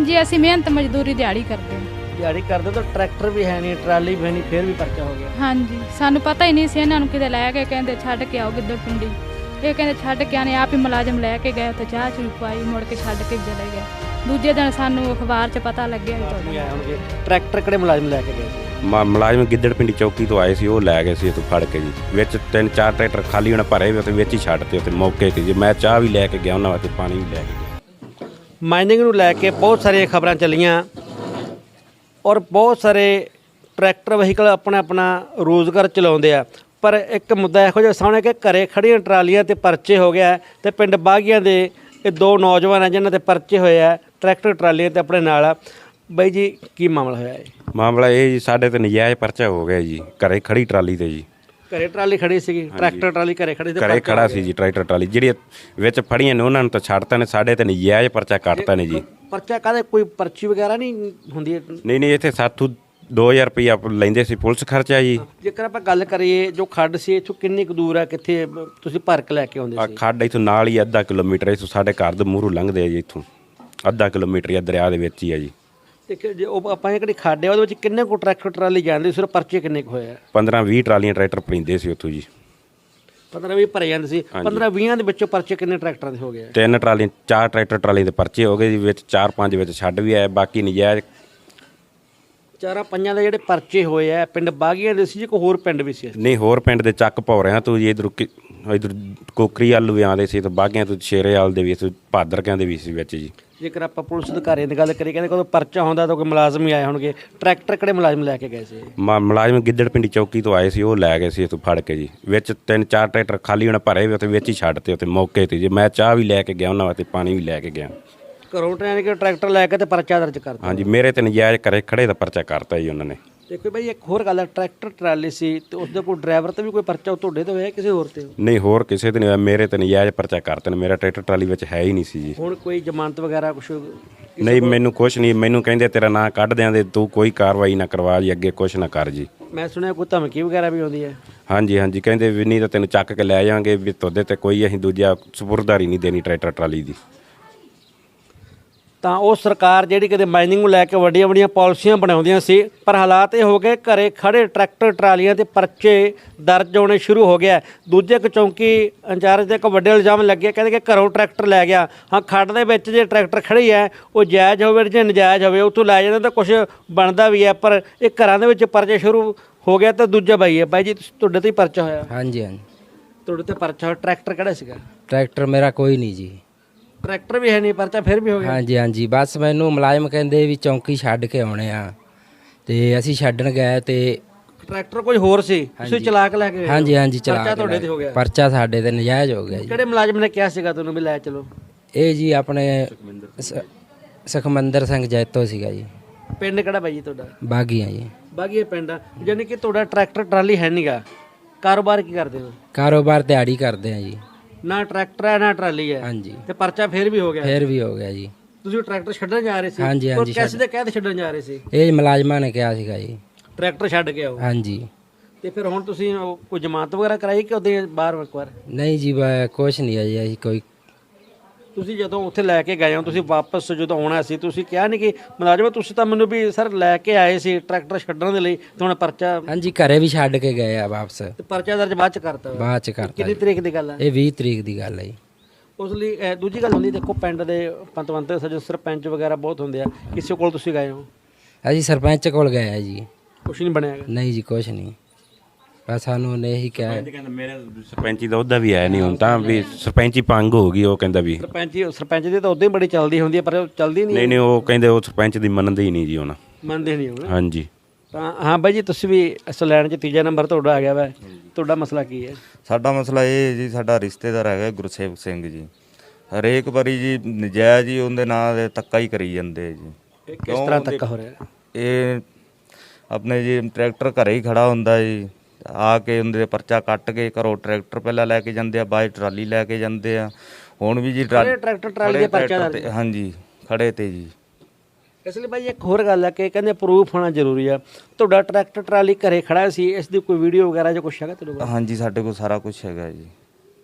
ਹਾਂਜੀ ਅਸੀਂ ਮਿਹਨਤ ਮਜ਼ਦੂਰੀ ਦਿਹਾੜੀ ਕਰਦੇ ਹਾਂ। ਦਿਹਾੜੀ ਕਰਦੇ ਤਾਂ ਟਰੈਕਟਰ ਵੀ ਹੈ ਨਹੀਂ, ਟਰਾਲੀ ਵੀ ਹੈ ਨਹੀਂ, ਫਿਰ ਵੀ ਪਰਚਾ ਹੋ ਗਿਆ। ਹਾਂਜੀ ਸਾਨੂੰ ਪਤਾ ਹੀ ਨਹੀਂ ਸੀ, ਇਹਨਾਂ ਨੂੰ ਕਿਤੇ ਲੈ ਕੇ ਕਹਿੰਦੇ ਛੱਡ ਕੇ ਆਓ ਗਿੱਦੜ ਪਿੰਡੀ। ਇਹ ਕਹਿੰਦੇ ਛੱਡ ਕੇ ਆਣੇ, ਆਪ ਹੀ ਮੁਲਾਜ਼ਮ ਲੈ ਕੇ ਗਏ ਤੇ ਚਾਹ ਚੂਹ ਪਾਈ, ਮੁੜ ਕੇ ਛੱਡ ਕੇ ਚਲੇ ਗਏ। ਦੂਜੇ ਦਿਨ ਸਾਨੂੰ ਅਖਬਾਰ 'ਚ ਪਤਾ ਲੱਗਿਆ ਵੀ ਤੁਹਾਡੇ ਆਏ ਹੋਣਗੇ। ਟਰੈਕਟਰ ਕਿਹੜੇ ਮੁਲਾਜ਼ਮ ਲੈ ਕੇ ਗਏ ਸੀ? ਮੁਲਾਜ਼ਮ ਗਿੱਦੜ ਪਿੰਡੀ ਚੌਕੀ ਤੋਂ ਆਏ ਸੀ, ਉਹ ਲੈ ਗਏ ਸੀ ਇੱਥੋਂ ਫੜ ਕੇ ਜੀ। ਵਿੱਚ 3-4 ਟਰੈਕਟਰ ਖਾਲੀ ਹੁਣ ਭਰੇ ਹੋਏ ਤੇ ਵਿੱਚ ਹੀ ਛੱਡਤੇ ਉੱਥੇ ਮੌਕੇ 'ਤੇ ਜੀ। ਮੈਂ ਚਾਹ ਵੀ ਲੈ ਕੇ ਗਿਆ ਉਹਨਾਂ ਵਾਸਤੇ, ਪਾਣੀ ਵੀ ਲੈ ਕੇ ਗਿਆ। ਮਾਈਨਿੰਗ ਨੂੰ ਲੈ ਕੇ ਬਹੁਤ ਸਾਰੀਆਂ ਖਬਰਾਂ ਚੱਲੀਆਂ ਔਰ ਬਹੁਤ ਸਾਰੇ ਟਰੈਕਟਰ ਵਹੀਕਲ ਆਪਣਾ ਆਪਣਾ ਰੋਜ਼ਗਾਰ ਚਲਾਉਂਦੇ ਆ, ਪਰ ਇੱਕ ਮੁੱਦਾ ਇਹੋ ਜਿਹਾ ਸਾਹਮਣੇ ਕਿ ਘਰੇ ਖੜੀਆਂ ਟਰਾਲੀਆਂ ਤੇ ਪਰਚੇ ਹੋ ਗਿਆ ਤੇ ਪਿੰਡ ਬਾਗੀਆਂ ਦੇ ਇਹ ਦੋ ਨੌਜਵਾਨ ਆ ਜਿਨ੍ਹਾਂ ਦੇ ਪਰਚੇ ਹੋਏ ਆ ਟਰੈਕਟਰ ਟਰਾਲੀਆਂ ਤੇ ਆਪਣੇ ਨਾਲ ਆ। ਬਾਈ ਜੀ ਕੀ ਮਾਮਲਾ ਹੋਇਆ ਹੈ? ਮਾਮਲਾ ਇਹ ਜੀ, ਸਾਡੇ ਤੇ ਨਜਾਇਜ਼ ਪਰਚਾ ਹੋ ਗਿਆ ਜੀ ਘਰੇ ਖੜੀ ਟਰਾਲੀ ਤੇ ਜੀ। ਘਰੇ ਟਰਾਲੀ ਖੜੀ ਸੀਗੀ, ਟਰੈਕਟਰ ਟਰਾਲੀ ਘਰੇ ਖੜੀ ਘਰੇ ਖੜਾ ਸੀ ਜੀ ਟਰੈਕਟਰ ਟਰਾਲੀ। ਜਿਹੜੀ ਵਿੱਚ ਫੜੀਆਂ ਨੇ ਉਹਨਾਂ ਨੂੰ ਤਾਂ ਛੱਡਤਾ ਨੇ, ਸਾਡੇ ਤੇ ਨਜਾਇਜ਼ ਪਰਚਾ ਕੱਟਤਾ ਨੇ ਜੀ। ਪਰਚਾ ਕਾਹਦੇ, ਕੋਈ ਪਰਚੀ ਵਗੈਰਾ ਨਹੀਂ ਹੁੰਦੀ? ਨਹੀਂ ਇੱਥੇ ਸਾਥੋਂ 2000 ਰੁਪਈਆ ਲੈਂਦੇ ਸੀ ਪੁਲਿਸ ਖਰਚਾ ਜੀ। ਜੇਕਰ ਆਪਾਂ ਗੱਲ ਕਰੀਏ ਜੋ ਖੱਡ ਸੀ ਇੱਥੋਂ ਕਿੰਨੀ ਕੁ ਦੂਰ ਆ, ਕਿੱਥੇ ਤੁਸੀਂ ਭਰ ਕੇ ਲੈ ਕੇ ਆਉਂਦੇ ਆ ਸੀ? ਖੱਡ ਇੱਥੋਂ ਨਾਲ ਹੀ ਅੱਧਾ ਕਿਲੋਮੀਟਰ ਇੱਥੋਂ ਸਾਡੇ ਘਰ ਦੇ ਮੂਹਰੋਂ ਲੰਘਦੇ ਆ ਜੀ। ਇੱਥੋਂ ਅੱਧਾ ਕਿਲੋਮੀਟਰ ਹੀ ਦਰਿਆ ਦੇ ਵਿੱਚ ਹੀ ਆ ਜੀ। ਤੇ ਜੇ ਉਹ ਆਪਾਂ ਜਿਹੜੀ ਖੱਡ ਆ ਉਹਦੇ ਵਿੱਚ ਕਿੰਨੇ ਕੁ ਟਰੈਕਟਰ ਟਰਾਲੀ ਜਾਂਦੇ, ਸਿਰਫ ਪਰਚੇ ਕਿੰਨੇ ਕੁ ਹੋਏ ਆ? 15-20 ਟਰਾਲੀਆਂ ਟਰੈਕਟਰ ਪੈਂਦੇ ਸੀ ਉੱਥੋਂ ਜੀ। 15-20 ਭਰੇ ਜਾਂਦੇ ਸੀ। 15-20 ਦੇ ਵਿੱਚੋਂ ਪਰਚੇ ਕਿੰਨੇ ਟਰੈਕਟਰਾਂ ਦੇ ਹੋ ਗਏ? 3 ਟਰਾਲੀਆਂ 4 ਟਰੈਕਟਰ ਟਰਾਲੀ ਦੇ ਪਰਚੇ ਹੋ ਗਏ ਜੀ। ਵਿੱਚ 4-5 ਵਿੱਚ ਛੱਡ ਵੀ ਆਏ, ਬਾਕੀ ਨਜਾਇਜ਼ 4-5 ਦੇ ਜਿਹੜੇ ਪਰਚੇ ਹੋਏ ਆ ਪਿੰਡ ਬਾਗੀਆਂ ਦੇ ਸੀ ਜੀ, ਕੋਈ ਹੋਰ ਪਿੰਡ ਵੀ ਸੀ? ਨਹੀਂ ਹੋਰ ਪਿੰਡ ਦੇ ਚੱਕ ਭੌਰਿਆਂ ਤੋਂ ਜੀ। ਇਧਰ ਕੋਕਰੀ ਆਲੂ ਵੀ ਆਉਂਦੇ ਸੀ, ਤੇ ਬਾਗਿਆਂ ਤੋਂ ਸ਼ੇਰੇਵਾਲ ਦੇ ਵੀ ਸੀ, ਭਾਦਰਕਿਆਂ ਦੇ ਵੀ ਸੀ ਵਿੱਚ ਜੀ। ਜੇਕਰ ਆਪਾਂ ਪੁਲਿਸ ਅਧਿਕਾਰੀਆਂ ਦੀ ਗੱਲ ਕਰੀਏ ਕਹਿੰਦੇ ਕੋਈ ਪਰਚਾ ਹੁੰਦਾ ਤਾਂ ਕੋਈ ਮੁਲਾਜ਼ਮ ਹੀ ਆਏ ਹੋਣਗੇ। ਟਰੈਕਟਰ ਕਿਹੜੇ ਮੁਲਾਜ਼ਮ ਲੈ ਕੇ ਗਏ ਸੀ? ਮੁਲਾਜ਼ਮ ਗਿੱਦੜ ਪਿੰਡੀ ਚੌਕੀ ਤੋਂ ਆਏ ਸੀ, ਉਹ ਲੈ ਗਏ ਸੀ ਇੱਥੋਂ ਫੜ ਕੇ ਜੀ। ਵਿੱਚ 3-4 ਟਰੈਕਟਰ ਖਾਲੀ ਹੁਣ ਭਰੇ ਹੋਏ ਤੇ ਵਿੱਚ ਹੀ ਛੱਡਤੇ ਉੱਥੇ ਮੌਕੇ 'ਤੇ ਜੀ। ਮੈਂ ਚਾਹ ਵੀ ਲੈ ਕੇ ਗਿਆ ਉਹਨਾਂ ਵਾਸਤੇ, ਪਾਣੀ ਵੀ ਲੈ ਕੇ ਗਿਆ। ਘਰੋਂ ਟਰੈਕਟਰ ਲੈ ਕੇ ਤੇ ਪਰਚਾ ਦਰਜ ਕਰਤਾ? ਹਾਂਜੀ ਮੇਰੇ ਤੇ ਨਜਾਇਜ਼ ਘਰੇ ਖੜੇ ਦਾ ਪਰਚਾ ਕਰਤਾ ਜੀ ਉਹਨਾਂ ਨੇ। ਦੇਖੋ ਬਾਈ ਇੱਕ ਹੋਰ ਗੱਲ ਹੈ, ਟਰੈਕਟਰ ਟਰਾਲੀ ਸੀ ਤੇ ਉਸ ਦੇ ਕੋਲ ਡਰਾਈਵਰ ਤੇ ਵੀ ਕੋਈ ਪਰਚਾ ਤੁਹਾਡੇ ਤੇ ਹੋਇਆ ਕਿਸੇ ਹੋਰ ਤੇ? ਨਹੀਂ ਹੋਰ ਕਿਸੇ ਤੇ ਨਹੀਂ ਹੋਇਆ, ਮੇਰੇ ਤੇ ਨਜਾਇਜ਼ ਪਰਚਾ ਕਰਤਾ ਨੇ। ਮੇਰਾ ਟਰੈਕਟਰ ਟਰਾਲੀ ਵਿੱਚ ਹੈ ਹੀ ਨਹੀਂ ਸੀ ਜੀ। ਹੁਣ ਕੋਈ ਜ਼ਮਾਨਤ ਵਗੈਰਾ ਕੁਛ? ਨਹੀਂ ਮੈਨੂੰ ਕੁਛ ਨਹੀਂ, ਮੈਨੂੰ ਕਹਿੰਦੇ ਤੇਰਾ ਨਾਂ ਕੱਢ ਦਿਆਂਦੇ, ਤੂੰ ਕੋਈ ਕਾਰਵਾਈ ਨਾ ਕਰਵਾ ਜੀ, ਅੱਗੇ ਕੁਛ ਨਾ ਕਰ ਜੀ। ਮੈਂ ਸੁਣਿਆ ਕੋਈ ਧਮਕੀ ਵਗੈਰਾ ਵੀ ਆਉਂਦੀ ਹੈ? ਹਾਂਜੀ ਕਹਿੰਦੇ ਵੀ ਨਹੀਂ ਤਾਂ ਤੈਨੂੰ ਚੱਕ ਕੇ ਲੈ ਜਾਵਾਂਗੇ, ਵੀ ਤੁਹਾਡੇ ਤੇ ਕੋਈ ਅਸੀਂ ਦੂਜਾ ਸਪੁਰਦਾਰੀ ਨਹੀਂ ਦੇਣੀ ਟਰੈਕਟਰ ਟਰਾਲੀ ਦੀ। ਤਾਂ ਉਹ ਸਰਕਾਰ ਜਿਹੜੀ ਕਿਤੇ ਮਾਈਨਿੰਗ ਨੂੰ ਲੈ ਕੇ ਵੱਡੀਆਂ ਵੱਡੀਆਂ ਪਾਲਿਸੀਆਂ ਬਣਾਉਂਦੀਆਂ ਸੀ, ਪਰ ਹਾਲਾਤ ਇਹ ਹੋ ਗਏ ਘਰੇ ਖੜੇ ਟਰੈਕਟਰ ਟਰਾਲੀਆਂ ਤੇ ਪਰਚੇ ਦਰਜ ਹੋਣੇ ਸ਼ੁਰੂ ਹੋ ਗਿਆ। ਦੂਜੇ ਇੱਕ ਚੌਂਕੀ ਇੰਚਾਰਜ ਦੇ ਇੱਕ ਵੱਡੇ ਇਲਜ਼ਾਮ ਲੱਗੇ, ਕਹਿੰਦੇ ਕਿ ਘਰੋਂ ਟਰੈਕਟਰ ਲੈ ਗਿਆ। ਹਾਂ ਖੱਡ ਦੇ ਵਿੱਚ ਜੇ ਟਰੈਕਟਰ ਖੜੀ ਹੈ ਉਹ ਜਾਇਜ਼ ਹੋਵੇ ਜੇ ਨਜਾਇਜ਼ ਹੋਵੇ, ਉੱਥੋਂ ਲੈ ਜਾਂਦਾ ਤਾਂ ਕੁਝ ਬਣਦਾ ਵੀ ਹੈ, ਪਰ ਇਹ ਘਰਾਂ ਦੇ ਵਿੱਚ ਪਰਚੇ ਸ਼ੁਰੂ ਹੋ ਗਿਆ। ਤਾਂ ਦੂਜਾ ਬਾਈ ਹੈ, ਬਾਈ ਜੀ ਤੁਹਾਡੇ ਤੇ ਹੀ ਪਰਚਾ ਹੋਇਆ? ਹਾਂਜੀ ਤੁਹਾਡੇ ਤੇ ਪਰਚਾ ਹੋਇਆ। ਟਰੈਕਟਰ ਕਿਹੜਾ ਸੀਗਾ? ਟਰੈਕਟਰ ਮੇਰਾ ਕੋਈ ਨਹੀਂ ਜੀ। ਟਰੈਕਟਰ ਵੀ ਹੈ ਨਹੀਂ, ਪਰਚਾ ਫਿਰ ਵੀ ਹੋ ਗਿਆ? ਹਾਂਜੀ ਬਸ ਮੈਨੂੰ ਮੁਲਾਜ਼ਮ ਕਹਿੰਦੇ ਵੀ ਚੌਂਕੀ ਛੱਡ ਕੇ ਆਉਣੇ ਆ, ਤੇ ਅਸੀਂ ਛੱਡਣ ਗਏ ਤੇ ਟਰੈਕਟਰ ਕੋਈ ਹੋਰ ਸੀ, ਤੁਸੀਂ ਚਲਾ ਕੇ ਲੈ ਕੇ ਗਏ? ਹਾਂਜੀ ਚਲਾ ਪਰਚਾ ਕੇ ਤੁਹਾਡੇ ਤੇ ਹੋ ਗਿਆ? ਪਰਚਾ ਸਾਡੇ ਤੇ ਨਜਾਇਜ਼ ਹੋ ਗਿਆ ਜੀ। ਕਿਹੜੇ ਮੁਲਾਜ਼ਮ ਨੇ ਕਿਹਾ ਸੀਗਾ ਤੁਹਾਨੂੰ ਵੀ ਲੈ ਚਲੋ? ਇਹ ਜੀ ਆਪਣੇ ਸੁਖਮੰਦਰ ਸਿੰਘ ਜੈਤੋ ਸੀਗਾ ਜੀ। ਪਿੰਡ ਕਿਹੜਾ ਬਾਈ ਜੀ ਤੁਹਾਡਾ? ਬਾਗੀਆਂ ਜੀ। ਬਾਗੀਆ ਪਿੰਡ ਆ। ਯਾਨੀ ਕਿ ਤੁਹਾਡਾ ਟਰੈਕਟਰ ਟਰਾਲੀ ਹੈ ਨਹੀਂਗਾ, ਕਾਰੋਬਾਰ ਕੀ ਕਰਦੇ ਹੋ? ਕਾਰੋਬਾਰ ਦਿਹਾੜੀ ਕਰਦੇ ਆ ਜੀ। ਨਾ ਟਰੈਕਟਰ ਹੈ ਨਾ ਟਰਾਲੀ ਹੈ? ਹਾਂਜੀ ਤੇ ਪਰਚਾ ਫਿਰ ਵੀ ਹੋ ਗਿਆ? ਫੇਰ ਵੀ ਹੋ ਗਿਆ ਜੀ। ਤੁਸੀਂ ਟਰੈਕਟਰ ਛੱਡਣ ਜਾ ਰਹੇ ਸੀ? ਹਾਂਜੀ ਕਿਸ ਦੇ ਕਹਿ ਤੇ ਛੱਡਣ ਜਾ ਰਹੇ ਸੀ? ਇਹ ਮੁਲਾਜ਼ਮਾਂ ਨੇ ਕਿਹਾ ਸੀਗਾ ਜੀ ਟਰੈਕਟਰ ਛੱਡ ਕੇ ਆਓ। ਹਾਂਜੀ। ਤੇ ਫਿਰ ਹੁਣ ਤੁਸੀਂ ਕੋਈ ਜ਼ਮਾਨਤ ਵਗੈਰਾ ਕਰਾਈ ਕਿ ਉਹਦੇ ਬਾਹਰ ਇੱਕ ਵਾਰ? ਨਹੀਂ ਜੀ ਕੁਛ ਨਹੀਂ ਹੈ ਜੀ। ਅਸੀਂ ਕੋਈ ਤੁਸੀਂ ਜਦੋਂ ਉੱਥੇ ਲੈ ਕੇ ਗਏ ਹੋ, ਤੁਸੀਂ ਵਾਪਸ ਜਦੋਂ ਆਉਣਾ ਸੀ ਤੁਸੀਂ ਕਿਹਾ ਨਹੀਂ ਕਿ ਮੁਲਾਜ਼ਮ ਤੁਸੀਂ ਤਾਂ ਮੈਨੂੰ ਵੀ ਸਰ ਲੈ ਕੇ ਆਏ ਸੀ ਟਰੈਕਟਰ ਛੱਡਣ ਦੇ ਲਈ, ਤੇ ਹੁਣ ਪਰਚਾ? ਹਾਂਜੀ ਘਰੇ ਵੀ ਛੱਡ ਕੇ ਗਏ ਆ ਵਾਪਸ। ਤੇ ਪਰਚਾ ਦਰਜ ਬਾਅਦ ਚ ਕਰਤਾ? ਬਾਅਦ ਚ ਕਰਤਾ। ਕਿੰਨੀ ਤਰੀਕ ਦੀ ਗੱਲ ਹੈ ਇਹ 20 ਤਰੀਕ ਦੀ ਗੱਲ ਹੈ ਜੀ। ਉਸ ਲਈ ਦੂਜੀ ਗੱਲ ਹੁੰਦੀ, ਦੇਖੋ ਪਿੰਡ ਦੇ ਪੰਤਵੰਤ ਸੱਜਣ ਸਰਪੰਚ ਵਗੈਰਾ ਬਹੁਤ ਹੁੰਦੇ ਆ, ਕਿਸੇ ਕੋਲ ਤੁਸੀਂ ਗਏ ਹੋ? ਅਸੀਂ ਸਰਪੰਚ ਕੋਲ ਗਏ ਆ ਜੀ। ਕੁਛ ਨਹੀਂ ਬਣਿਆ? ਨਹੀਂ ਜੀ ਕੁਛ ਨਹੀਂ, ਬਸ ਸਾਨੂੰ ਉਹਨੇ ਇਹੀ ਕਿਹਾ। ਕਹਿੰਦਾ ਮੇਰੇ ਸਰਪੰਚੀ ਦਾ ਉਹਦਾ ਵੀ ਆਇਆ ਨਹੀਂ ਹੁਣ ਤਾਂ, ਵੀ ਸਰਪੰਚੀ ਭੰਗ ਹੋ ਗਈ। ਉਹ ਕਹਿੰਦਾ ਵੀ ਸਰਪੰਚ ਦੀ ਤਾਂ ਉਦੋਂ ਹੀ ਬੜੀ ਚੱਲਦੀ ਹੁੰਦੀ ਹੈ, ਪਰ ਉਹ ਚੱਲਦੀ ਨਹੀਂ ਉਹ ਕਹਿੰਦੇ ਉਹ ਸਰਪੰਚ ਦੀ ਮੰਨਦੇ ਹੀ ਨਹੀਂ ਜੀ ਹੁਣ। ਮੰਨਦੇ ਨਹੀਂ ਹੁਣ? ਹਾਂਜੀ। ਤਾਂ ਹਾਂ ਬਾਈ ਜੀ ਤੁਸੀਂ ਵੀ ਇਸ ਲਾਈਨ 'ਚ ਤੀਜਾ ਨੰਬਰ ਤੁਹਾਡਾ ਆ ਗਿਆ ਵਾ, ਤੁਹਾਡਾ ਮਸਲਾ ਕੀ ਹੈ? ਸਾਡਾ ਮਸਲਾ ਇਹ ਹੈ ਜੀ, ਸਾਡਾ ਰਿਸ਼ਤੇਦਾਰ ਹੈਗਾ ਗੁਰਸੇਵਕ ਸਿੰਘ ਜੀ। ਹਰੇਕ ਵਾਰੀ ਜੀ ਨਜਾਇਜ਼ ਹੀ ਉਹਦੇ ਨਾਂ ਦੇ ਧੱਕਾ ਹੀ ਕਰੀ ਜਾਂਦੇ ਜੀ। ਕਿਸ ਤਰ੍ਹਾਂ ਧੱਕਾ ਹੋ ਰਿਹਾ? ਇਹ ਆਪਣੇ ਜੀ ਟਰੈਕਟਰ ਘਰੇ ਹੀ ਖੜਾ ਹੁੰਦਾ ਜੀ, ਆ ਕੇ ਉਹਦੇ ਪਰਚਾ ਕੱਟ ਕੇ ਘਰੋਂ ਟਰੈਕਟਰ ਪਹਿਲਾਂ ਲੈ ਕੇ ਜਾਂਦੇ ਆ, ਬਾਅਦ ਟਰਾਲੀ ਲੈ ਕੇ ਜਾਂਦੇ ਆ। ਹੁਣ ਵੀ ਜੀ ਟਰੈਕਟਰ ਟਰਾਲੀ ਦੇ ਪਰਚਾ ਤੇ ਹਾਂਜੀ ਖੜੇ ਤੇ ਜੀ। ਇਸ ਲਈ ਬਾਈ ਇੱਕ ਹੋਰ ਗੱਲ ਹੈ ਕਿ ਕਹਿੰਦੇ ਪ੍ਰੂਫ ਹੋਣਾ ਜ਼ਰੂਰੀ ਆ। ਤੁਹਾਡਾ ਟਰੈਕਟਰ ਟਰਾਲੀ ਘਰੇ ਖੜਾ ਸੀ, ਇਸ ਦੀ ਕੋਈ ਵੀਡੀਓ ਵਗੈਰਾ ਜਾਂ ਕੁਛ ਹੈਗਾ ਤੁਹਾਡੇ ਕੋਲ? ਹਾਂਜੀ ਸਾਡੇ ਕੋਲ ਸਾਰਾ ਕੁਝ ਹੈਗਾ ਜੀ,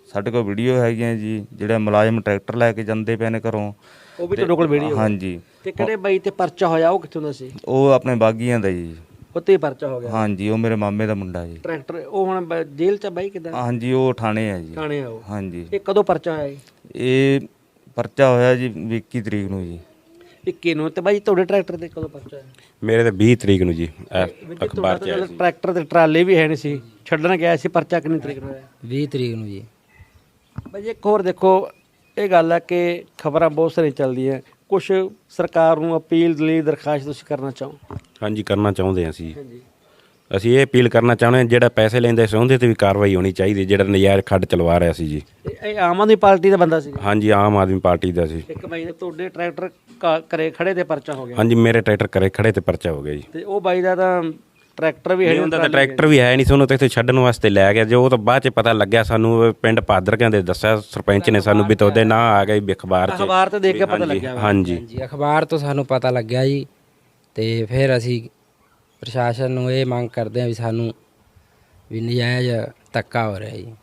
ਸਾਡੇ ਕੋਲ ਵੀਡੀਓ ਹੈਗੀਆਂ ਜੀ, ਜਿਹੜੇ ਮੁਲਾਜ਼ਮ ਟਰੈਕਟਰ ਲੈ ਕੇ ਜਾਂਦੇ ਪਏ ਨੇ ਘਰੋਂ। ਉਹ ਵੀ ਤੁਹਾਡੇ ਕੋਲ ਵੀਡੀਓ? ਹਾਂਜੀ। ਤੇ ਕਿਹੜੇ ਬਾਈ ਤੇ ਪਰਚਾ ਹੋਇਆ, ਉਹ ਕਿੱਥੋਂ ਦਾ ਸੀ? ਉਹ ਆਪਣੇ ਬਾਗੀਆਂ ਦਾ ਜੀ। ਉੱਤੇ ਹੀ ਪਰਚਾ ਹੋ ਗਿਆ? ਹਾਂਜੀ, ਉਹ ਮੇਰੇ ਮਾਮੇ ਦਾ ਮੁੰਡਾ ਜੀ। ਟਰੈਕਟਰ ਉਹ ਹੁਣ ਜੇਲ੍ਹ 'ਚ ਆ ਬਾਈ ਕਿੱਦਾਂ? ਹਾਂਜੀ, ਉਹ ਥਾਣੇ ਆ ਜੀ। ਥਾਣੇ ਆ ਉਹ? ਹਾਂਜੀ। ਇਹ ਕਦੋਂ ਪਰਚਾ ਹੋਇਆ? ਇਹ ਪਰਚਾ ਹੋਇਆ ਜੀ 21 ਤਰੀਕ ਨੂੰ ਜੀ। 21 ਨੂੰ। ਤੇ ਬਾਈ ਤੁਹਾਡੇ ਟਰੈਕਟਰ ਤੇ ਕਦੋਂ ਪਰਚਾ ਹੋਇਆ? ਮੇਰੇ ਤੇ 20 ਤਰੀਕ ਨੂੰ ਜੀ ਅਖਬਾਰ 'ਚ ਆਇਆ ਸੀ। ਟਰੈਕਟਰ ਤੇ ਟਰਾਲੇ ਵੀ ਹੈ ਨਹੀਂ ਸੀ, ਛੱਡਣ ਗਿਆ ਸੀ। ਪਰਚਾ ਕਿੰਨੀ ਤਰੀਕ ਨੂੰ ਹੋਇਆ? 20 ਤਰੀਕ ਨੂੰ ਜੀ। ਬਾਈ ਇੱਕ ਹੋਰ ਦੇਖੋ, ਇਹ ਗੱਲ ਹੈ ਕਿ ਖਬਰਾਂ ਬਹੁਤ ਸਾਰੀਆਂ ਚੱਲਦੀਆਂ, ਕੁਝ ਸਰਕਾਰ ਨੂੰ ਅਪੀਲ ਲਈ ਦਰਖਾਸਤ ਤੁਸੀਂ ਕਰਨਾ ਚਾਹੋ? ਹਾਂਜੀ, ਕਰਨਾ ਚਾਹੁੰਦੇ ਹਾਂ ਅਸੀਂ। ਹਾਂਜੀ। ਅਸੀਂ ਇਹ ਅਪੀਲ ਕਰਨਾ ਚਾਹੁੰਦੇ ਹਾਂ, ਜਿਹੜਾ ਪੈਸੇ ਲੈਂਦਾ ਸੀ ਉਹਦੇ ਤੇ ਵੀ ਕਾਰਵਾਈ ਹੋਣੀ ਚਾਹੀਦੀ, ਜਿਹੜਾ ਨਜਾਇਜ਼ ਖੱਡ ਚਲਵਾ ਰਿਹਾ ਸੀ ਜੀ। ਇਹ ਆਮ ਆਦਮੀ ਪਾਰਟੀ ਦਾ ਬੰਦਾ ਸੀ? ਹਾਂਜੀ, ਆਮ ਆਦਮੀ ਪਾਰਟੀ ਦਾ ਸੀ। ਇੱਕ ਬਾਈ ਨੇ ਤੁਹਾਡੇ ਟਰੈਕਟਰ ਘਰੇ ਖੜੇ ਤੇ ਪਰਚਾ ਹੋ ਗਿਆ? ਹਾਂਜੀ, ਮੇਰੇ ਟਰੈਕਟਰ ਘਰੇ ਖੜੇ ਤੇ ਪਰਚਾ ਹੋ ਗਿਆ ਜੀ। ਤੇ ਉਹ ਬਾਈ ਦਾ ਤਾਂ ਟਰੈਕਟਰ ਵੀ ਹੈ ਨਹੀਂ? ਉਹਦਾ ਤਾਂ ਟਰੈਕਟਰ ਵੀ ਹੈ ਨਹੀਂ ਸੀ, ਉਹਨੂੰ ਤਾਂ ਇੱਥੇ ਛੱਡਣ ਵਾਸਤੇ ਲੈ ਗਿਆ। ਜੋ ਉਹ ਤਾਂ ਬਾਅਦ 'ਚ ਪਤਾ ਲੱਗਿਆ ਸਾਨੂੰ, ਪਿੰਡ ਭਾਦਰ ਕਹਿੰਦੇ ਦੱਸਿਆ ਸਰਪੰਚ ਨੇ ਸਾਨੂੰ ਵੀ ਤੁਹਾਡੇ ਨਾਂ ਆ ਗਿਆ ਵੀ ਅਖਬਾਰ 'ਚ। ਅਖਬਾਰ ਤੇ ਦੇਖ ਕੇ ਪਤਾ ਲੱਗਿਆ? ਹਾਂਜੀ। ਜੀ, ਅਖਬਾਰ ਤੋਂ ਸਾਨੂੰ ਪਤਾ ਲੱਗਿਆ ਜੀ। ਤੇ ਫਿਰ ਅਸੀਂ ਪ੍ਰਸ਼ਾਸਨ ਨੂੰ ਇਹ ਮੰਗ ਕਰਦੇ ਹਾਂ ਵੀ ਸਾਨੂੰ ਵੀ ਨਜਾਇਜ਼ ਧੱਕਾ ਹੋ ਰਿਹਾ ਜੀ।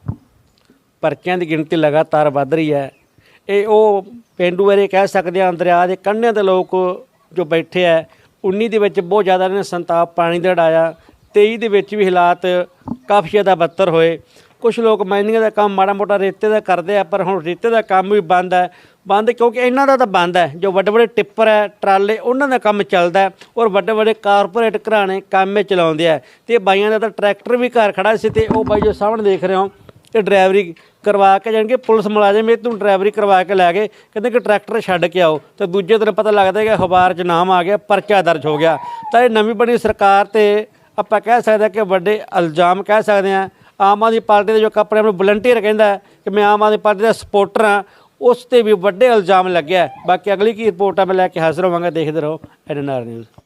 ਪਰਚਿਆਂ ਦੀ ਗਿਣਤੀ ਲਗਾਤਾਰ ਵੱਧ ਰਹੀ ਹੈ। ਇਹ ਉਹ ਪੇਂਡੂ ਏਰੀਏ ਕਹਿ ਸਕਦੇ ਹਾਂ, ਦਰਿਆ ਦੇ ਕੰਢਿਆਂ ਦੇ ਲੋਕ ਜੋ ਬੈਠੇ ਹੈ। 19 ਦੇ ਵਿੱਚ ਬਹੁਤ ਜ਼ਿਆਦਾ ਇਹਨਾਂ ਨੇ ਸੰਤਾਪ ਪਾਣੀ ਦਾ ਢਾਇਆ। 23 ਦੇ ਵਿੱਚ ਵੀ ਹਾਲਾਤ ਕਾਫੀ ਜ਼ਿਆਦਾ ਬੱਤਰ ਹੋਏ। ਕੁਝ ਲੋਕ ਮਾਈਨਿੰਗ ਦਾ ਕੰਮ ਮਾੜਾ ਮੋਟਾ ਰੇਤੇ ਦਾ ਕਰਦੇ ਆ, ਪਰ ਹੁਣ ਰੇਤੇ ਦਾ ਕੰਮ ਵੀ ਬੰਦ ਹੈ। ਬੰਦ ਕਿਉਂਕਿ ਇਹਨਾਂ ਦਾ ਤਾਂ ਬੰਦ ਹੈ, ਜੋ ਵੱਡੇ ਵੱਡੇ ਟਿੱਪਰ ਹੈ, ਟਰਾਲੇ, ਉਹਨਾਂ ਦਾ ਕੰਮ ਚੱਲਦਾ ਹੈ, ਔਰ ਵੱਡੇ ਵੱਡੇ ਕਾਰਪੋਰੇਟ ਘਰਾਣੇ ਕੰਮ ਚਲਾਉਂਦੇ ਆ। ਤੇ ਬਾਈਆਂ ਦਾ ਤਾਂ ਟਰੈਕਟਰ ਵੀ ਘਰ ਖੜਾ ਸੀ, ਤੇ ਉਹ ਬਾਈ ਜੋ ਸਾਹਮਣੇ ਦੇਖ ਰਹੇ ਹੋ, ਇਹ ਡਰਾਈਵਰੀ ਕਰਵਾ ਕੇ ਜਾਣਗੇ। ਪੁਲਿਸ ਮੁਲਾਜ਼ਮ ਇਹ ਤੋਂ ਡਰਾਈਵਰੀ ਕਰਵਾ ਕੇ ਲੈ ਗਏ, ਕਹਿੰਦੇ ਕਿ ਟਰੈਕਟਰ ਛੱਡ ਕੇ ਆਓ। ਤੇ ਦੂਜੇ ਦਿਨ ਪਤਾ ਲੱਗਦਾ ਕਿ ਅਖਬਾਰ 'ਚ ਨਾਮ ਆ ਗਿਆ, ਪਰਚਾ ਦਰਜ ਹੋ ਗਿਆ। ਤਾਂ ਇਹ ਨਵੀਂ ਬਣੀ ਸਰਕਾਰ ਤੇ ਆਪਾਂ ਕਹਿ ਸਕਦੇ ਹਾਂ ਕਿ ਵੱਡੇ ਇਲਜ਼ਾਮ ਕਹਿ ਸਕਦੇ ਹਾਂ। ਆਮ ਆਦਮੀ ਪਾਰਟੀ ਦੇ ਜੋ ਆਪਣੇ ਆਪ ਨੂੰ ਵਲੰਟੀਅਰ ਕਹਿੰਦਾ ਕਿ ਮੈਂ ਆਮ ਆਦਮੀ ਪਾਰਟੀ ਦਾ ਸਪੋਰਟਰ ਹਾਂ, ਉਸ ਤੇ ਵੀ ਵੱਡੇ ਇਲਜ਼ਾਮ ਲੱਗਿਆ। ਬਾਕੀ ਅਗਲੀ ਕੀ ਰਿਪੋਰਟ ਆ ਮੈਂ ਲੈ ਕੇ ਹਾਜ਼ਰ ਹੋਵਾਂਗਾ। ਦੇਖਦੇ ਰਹੋ NNR ਨਿਊਜ਼।